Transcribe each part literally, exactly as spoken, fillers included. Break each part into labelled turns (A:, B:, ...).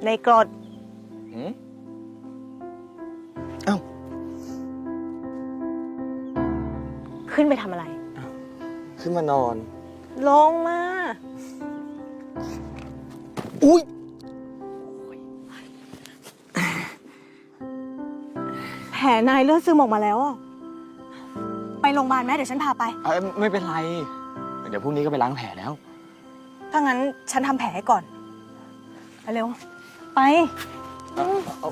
A: ในกรด
B: อืมเอ้า
A: ขึ้นไปทำอะไร
B: ขึ้นมานอน
A: ลงมา
B: อุ้ย
A: แผลนายเลือดซึมออกมาแล้วอะไปโรงพยาบาลไหมเดี๋ยวฉันพาไป
B: เอ้ยไม่เป็นไร เดี๋ยวพรุ่งนี้ก็ไปล้างแผลแล้ว
A: ถ้างั้นฉันทำแผลให้ก่อนไปเร็ว ไป
B: เอาเอา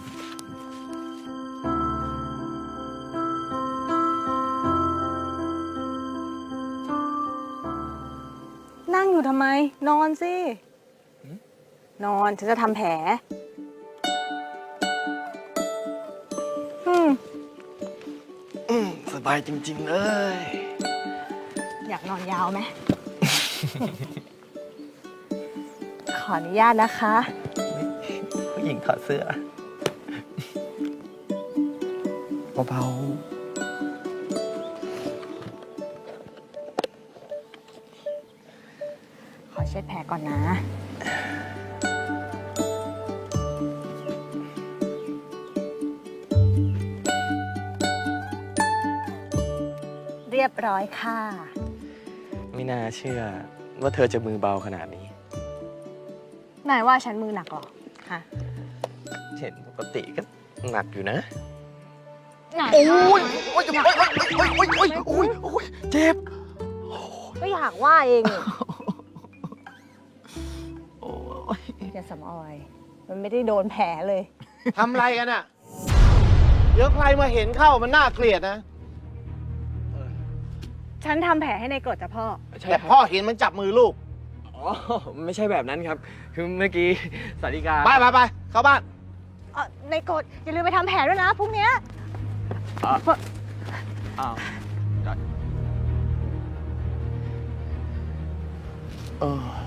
A: นั่งอยู่ทำไม นอนสิ นอน ฉันจะทำแผล อืม
B: อืมสบายจริงๆเลย
A: อยากนอนยาวไหม ขออนุญาตนะคะ
B: ผู้หญิงถอดเสื้อเบา
A: ขอเช็ดแผลก่อนนะ เรียบร้อยค่ะ
B: ๆไม่น่าเชื่อว่าเธอจะมือเบาขนาดนี้
A: นายว่าฉันมือหนักเหรอ ฮะ
B: เห็นปกติก็หนักอยู่นะ
A: หนัก
B: โอ้ยโอ้ยโอ้ยโอ้ยโอ้ยโอ้ยโอ้ยโอ้ยเจ็บ
A: ก็อยากว่าเองนี่
B: โอ้ย
A: อย่าสำออย มันไม่ได้โดนแผลเลย
C: ทำอะไรกันอ่ะ เดี๋ยวใครมาเห็นเข้ามันน่าเกลียดนะ
A: ฉันทำแผลให้ในกรดจ้ะพ่อ
B: ใช่
C: แต่
B: ครับ
C: พ่อเห็นมันจับมือลูก
B: อ๋อไม่ใช่แบบนั้นครับ คือเมื่อกี้สาริกา
C: ไปไปไปเข้าบ้าน
A: เออในกรดอย่าลืมไปทำแผลด้วยนะพรุ่งเนี้ย
B: อ่ะอ้าวได้เออ